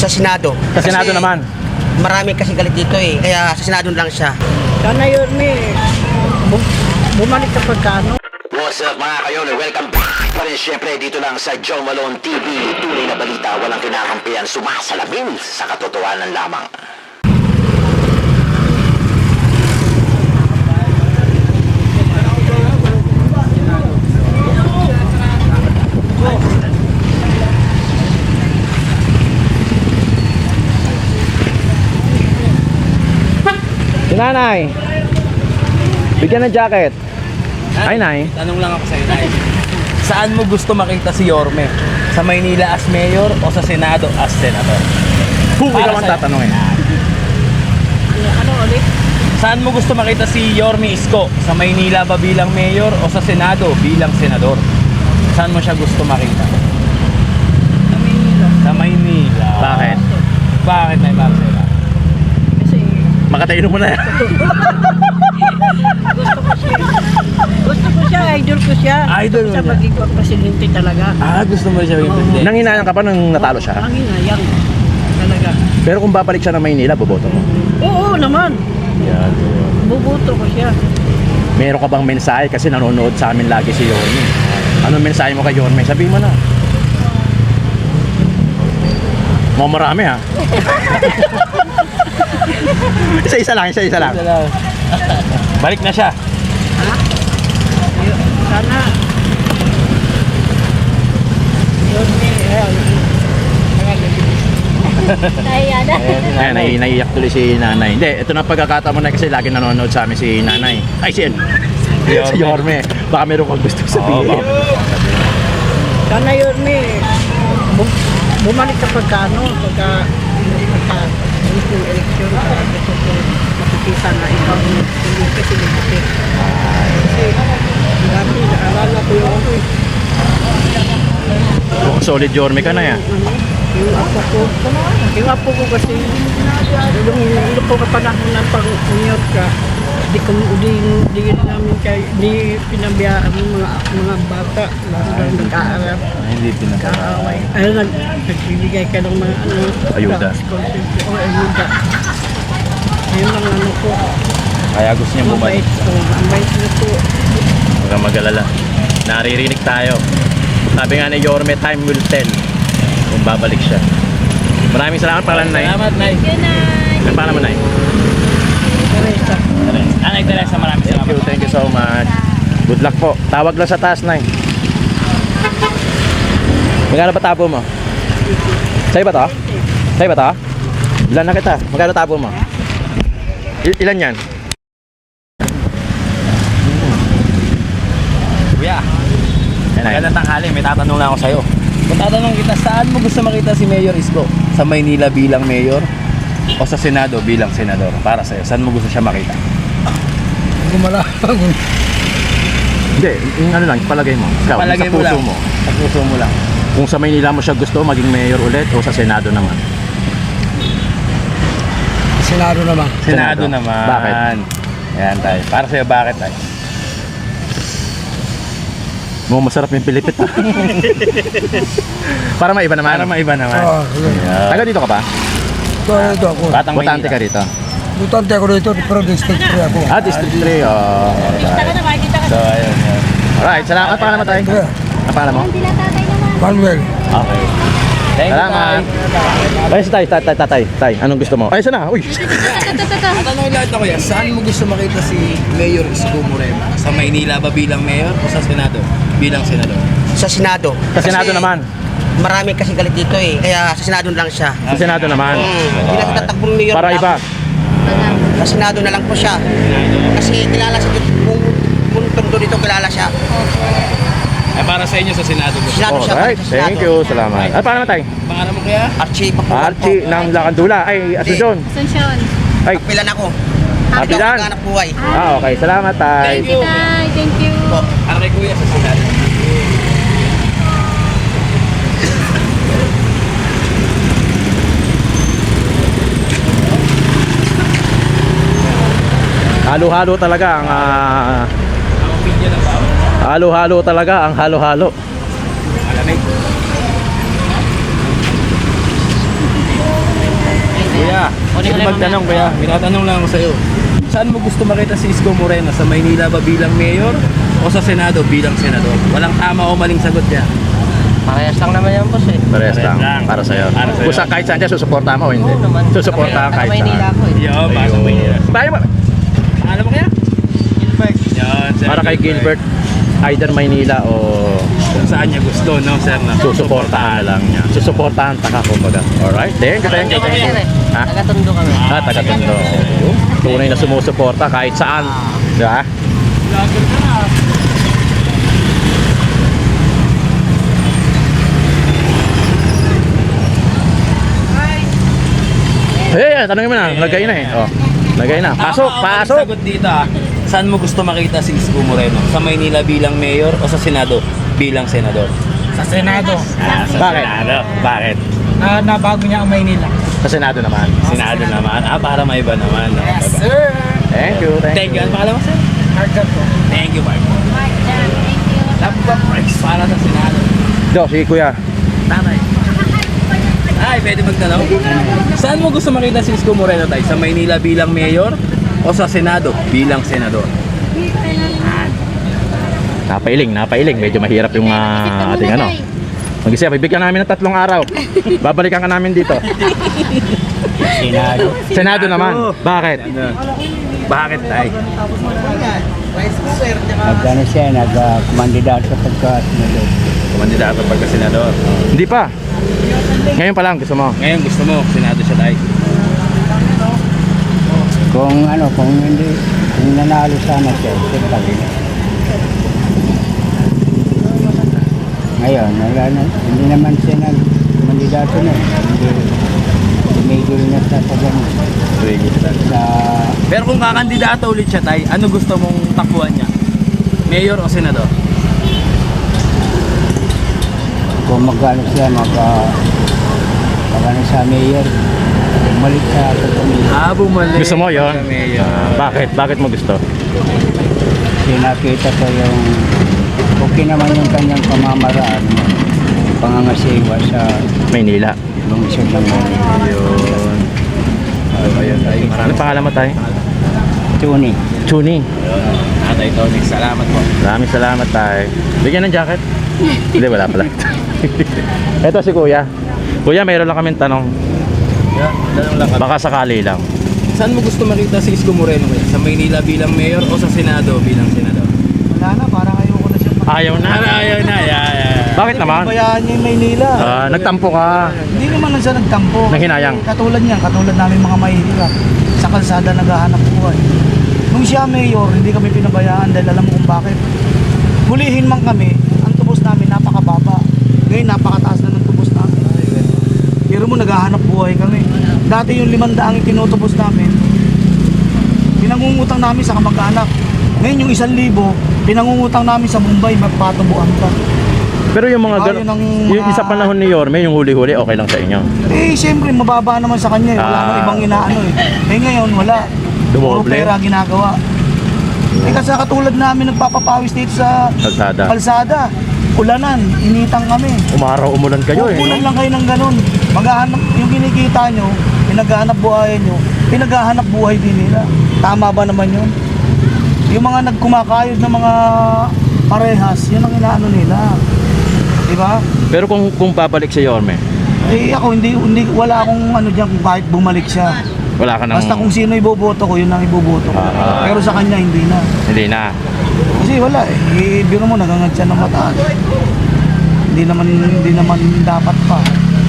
Sa Senado. Sa Senado naman. Marami kasi galit dito eh. Kaya sa Senado lang siya. Sana yun, bumalik sa pagkano. What's up mga kayon? Welcome back pa rin syempre dito lang sa Joe Malone TV. Tunay na balita, walang kinakampihan, sumasalamin sa katotohanan lamang. Si nanay, bigyan ng jacket. Ay, nay. Tanong lang ako sa'yo, Nay. Saan mo gusto makita si Yorme? Sa Maynila as mayor o sa Senado as senator? Kung ikaw ang tatanungin. Ano ulit? Saan mo gusto makita si Yorme Isko? Sa Maynila ba bilang mayor o sa Senado bilang senador? Saan mo siya gusto makita? Sa Manila. Sa Maynila. Bakit? Bakit, Nay Marcela? Kasi Makatayin mo na yan. gusto ko siya, idol ko siya. Idol mo Gusto ko siya siya? maging presidente talaga. Gusto mo siya yung Nanginayang ka pa nung natalo siya. Ang hinayang talaga. Pero kung babalik siya ng Maynila, boboto mo. Oo naman. Yan. Bubuto ko siya. Meron ka bang mensahe? Kasi nanonood sa amin lagi si Yorme. Anong mensahe mo kay Yorme? Sabihin mo na. Mga marami ha. Isa-isa lang, isa-isa lang. Balik na siya. Sana yun Ayan, naiiyak tuloy si nanay. Hindi, ito na pagkakataon mo na kasi lagi nanonood sa amin si nanay. Ay, si Yorme. Baka meron kang gusto sabihin. sana yun bumalik sa pagkano pagka yung eleksyon gusto ko makikita na ikaw hindi presidente kasi dati naalala ko yung Mukhang solid Yorme ka na yan. yung apo ko kasi yung po kapanahon ng pag-unyot ka di namin di pinabiyaan ng mga bata lalo lang nag-aaral Hindi kaaway nagbibigay ka ng mga Ayuda. scholarship o ayuda yun lang ano po Kaya gusto niya bumalik. ang bait na po Huwag kang mag-alala. Naririnig tayo. Sabi nga ni Yorme, time will tell kung babalik siya. Maraming salamat, pangalan Nay. Salamat, Nay. Ang pangalan mo, Nay? Teresa Anay Teresa, maraming salamat. Thank you so much. Good luck po. Tawag lang sa taas, Nay. Magkano ba tabo mo? Sa'yo ba to? Sa'yo ba to? Bilan na kita. Magkano tabo mo? Ilan yan? Kuya, Ay, Nay. magandang tanghali. May tatanong lang ako sa'yo. Kung tatanong kita, saan mo gusto makita si Mayor Isko? Sa Maynila bilang mayor o sa Senado bilang senador? Para sa'yo, saan mo gusto siya makita? Hindi, yung ano lang, palagay mo. Ikaw, Palagay sa mo puso lang. mo. Sa puso mo lang. Kung sa Maynila mo siya gusto, maging mayor ulit o sa Senado naman? Senado naman. Senado naman. Bakit? Yan tayo. Para sa'yo, bakit tayo? Mo masarap yung Pilipit ha. Para maiba naman. Para maiba naman. Yeah. Taga dito ka ba? Ito ako. Batang Botante ka Maynila. rito. Butante ako dito, pero district 3 ako. Ah, District 3. So, ayun. Yan. Alright, salamat. Pangalan mo tayo? Yeah. Ang pangalan mo? Manuel. Okay. Thank you, Salamat. Tay. Ay, si Tay. Anong gusto mo? Ay, sana. Uy. Tatanong lang ito, kuya. Saan mo gusto makita si Mayor Isko Moreno? Sa Maynila ba bilang mayor o sa Senado bilang senador? Sa Senado. Sa Senado naman. Marami kasi galit dito eh. Kaya sa Senado lang siya. Sa Senado naman. Hindi na tatakbong mayor. Para iba. Sa Senado na lang po siya. Kasi kilala siya dito. Kung tondo dito kilala siya. Ay, para sa inyo sa Senado. Senado siya. Alright, sa Senado. thank you. Salamat. Ay, pangalan mo tayo? Pangalan mo kuya? Archie Papuan Archie ng Lakandula. Ay, Asuncion. Asuncion. Ay, Pilan ako. Pilan. Anak buhay. Okay. Salamat, Tay. Thank you. Tay, thank you. Para kay kuya sa Senado. Halo-halo talaga ang Ang opinion ng bawat. halo-halo talaga ang halo-halo. Malamig. Hindi magtanong kuya, minatanong lang ako sa'yo. Saan mo gusto makita si Isko Moreno? Sa Maynila ba bilang mayor o sa Senado bilang senador? Walang tama o maling sagot niya. Parehas lang naman yan, boss eh. Parehas lang. lang. Para sa'yo. Para sa'yo. Kung kahit saan dyan, susuporta mo o hindi? Oo naman. Susuporta ka kahit saan. Maynila ako eh. Yo, para sa Maynila. Bayo mo. Alam mo kaya? Gilbert. Yan, Sir Para kay Gilbert, either Maynila o Kung saan niya gusto, no, sir? Na susuportahan lang niya. Susuportahan taka kumbaga. Alright, thank you. Taga-Tondo kami, sir eh. Ha? Taga-Tondo kami. Taga-Tondo. Tunay na sumusuporta kahit saan. Diba? Hey, tanongin mo na. Lagay na eh. Oh. Lagay na. Pasok, Tama o maling pasok. sagot dito ah. Saan mo gusto makita si Isko Moreno? Sa Maynila bilang mayor o sa Senado bilang senador? Sa Senado. Bakit? Bakit? Nabago niya ang Maynila. Sa Senado naman. Senado naman. Para maiba naman. No? Sir. Thank you. Thank you. Ano pangalan mo, sir? Market po. Thank you, Mark. Love price para sa Senado. Do, si Kuya. Tatay. Ay, pwede magtanong? Saan mo gusto makita si Isko Moreno tayo? Sa Maynila bilang mayor o sa Senado bilang senador? Napailing. Medyo mahirap yung ating ano. Mag-isip, bibigyan namin ng 3 araw. Babalikan ka namin dito. Senado. Senado naman. Bakit? Bakit tayo? Nagkano siya, nagkumandidato sa pagka-senador. Kumandidato pagka senador. Hindi pa. Ngayon pa lang gusto mo. Ngayon gusto mo, senado siya tayo. Kung hindi, kung nanalo sana siya, siyempre. Ngayon, hindi naman siya nagkumandidato na. Hindi tumigil na sa ganun. Sa Pero kung kakandidato ulit siya tayo, ano gusto mong takbuhan niya? Mayor o senador? kung magkano siya, magkano sa mayor, bumalik sa pagpamilya. Bumalik. Gusto mo yon? Pagka mayor. Bakit? Bakit mo gusto? Kasi nakita ko yung okay naman yung kanyang pamamaraan, pangangasiwa sa Maynila. lungsod ng Manila. Ayun. Ayun tayo. Ano pangalan mo tayo? Tuni. Chuni. Tatay Tony, salamat po. Maraming salamat tayo. Bigyan ng jacket? Hindi, wala pala. Ito si Kuya. Kuya, mayroon lang kaming tanong. Tanong lang Baka sakali lang. Saan mo gusto makita si Isko Moreno kaya? Sa Maynila bilang mayor o sa Senado bilang senador? Wala na, parang ayoko na siya. Ayaw na. Ayaw na, Bakit naman? Bayaan niya yung Maynila. Nagtampo ka. Hindi naman na siya nagtampo. Nanghinayang. Katulad niyan, katulad namin mga mahihirap. Sa kalsada naghahanap buhay. Nung siya mayor, hindi kami pinabayaan dahil alam mo kung bakit. Hulihin man kami, ang tubos namin napakababa. Ngayon napakataas na ng tubos namin. Pero mo naghahanap buhay kami. Dati yung 500 ang tinutubos namin, pinangungutang namin sa kamag-anak. Ngayon yung 1,000, pinangungutang namin sa Mumbai, magpatubuan pa. Pero yung mga Ayaw ng yung mga- isa panahon ni Yorme, yung huli-huli, okay lang sa inyo. Eh, siyempre, mababa naman sa kanya. Wala nang ibang inaano eh. Eh, ngayon, wala. Puro Dumoble. pera ginagawa. Eh, kasi katulad namin nagpapapawis dito sa Kalsada. kalsada. Ulanan, initang kami. Umaraw, umulan kayo eh. Kukunan No? lang kayo ng ganun. Maghahanap, yung kinikita nyo, pinaghahanap buhay nyo, pinaghahanap buhay din nila. Tama ba naman yun? Yung mga nagkumakayod ng mga parehas, yun ang inaano nila. Di ba? Pero kung babalik si Yorme, Eh ako hindi wala akong ano diyan kung bakit bumalik siya. wala ka nang... Basta kung sino iboboto ko, yun ang iboboto ko. Pero sa kanya hindi na. Hindi na. Kasi wala eh. Biro mo nagangad siya ng mataas. Hindi naman dapat pa.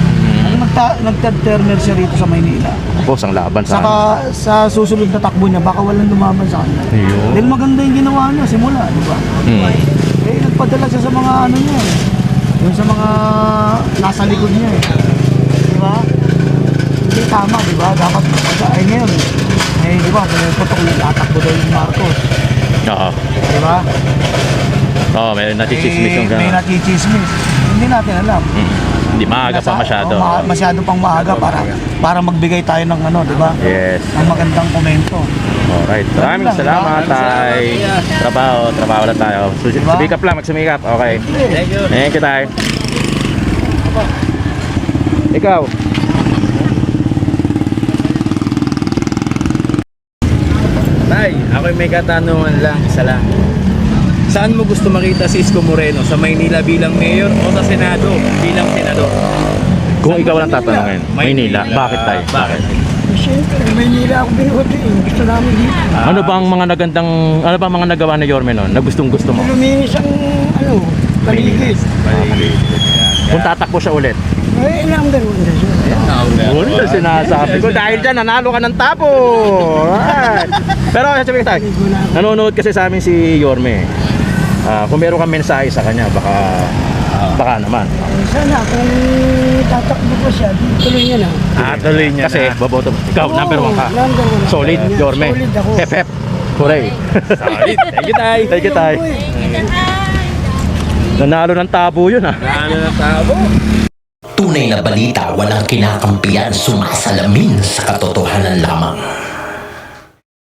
Nagta-termer siya rito sa Maynila. Boss, ang laban sa Saka sa susunod na takbo niya, baka walang lumaban sa kanya. Ayun. Dahil maganda yung ginawa niya simula, di ba? Eh nagpadala siya sa mga ano niya eh. Yung sa mga nasa likod niya eh. Di ba? Hindi tama, di ba? Dapat ay ngayon eh. Di ba? Putok na tatakbo daw yung Marcos. Oo. Di ba? Oo, may nachichismis yung May gano'n. nachichismis. Hindi natin alam. Hindi, maaga pa masyado. Masyado pang maaga para magbigay tayo ng ano, di ba? Yes. Ng magandang komento. Alright. Maraming lang, salamat, tay. Trabaho lang tayo. Diba? Sumikap lang, magsumikap. Okay. Thank you. Thank you, tay. Ikaw. ako'y may katanungan lang, isa lang. Saan mo gusto makita si Isko Moreno? Sa Maynila bilang mayor o sa Senado bilang senador? Kung ikaw lang tatanungin, Maynila, bakit tayo? Bakit? Siyempre, Maynila ako binuti. Gusto namin dito. Ano ba ang mga nagawa ni Yorme noon na gustong-gusto mo? Luminis ang, paligid. Kung tatakbo siya ulit. Eh, number one na siya. Yun na sinasabi ko. Dahil dyan, nanalo ka ng tapo. Alright. Pero sabi tayo, nanonood kasi sa amin si Yorme. Kung meron kang mensahe sa kanya, baka naman. Sana kung tatakbo ko siya, tuloy niya na. Tuloy niya Kasi boboto. Ikaw, number 1 ka. Number one ako. Solid, Yorme. Solid ako. Hep hep. Hooray. Solid. Thank you, Tay. Thank you, Tay. Nanalo ng tabo yun, ha. Ano na tabo? Tunay na balita, walang kinakampiyan, sumasalamin sa katotohanan.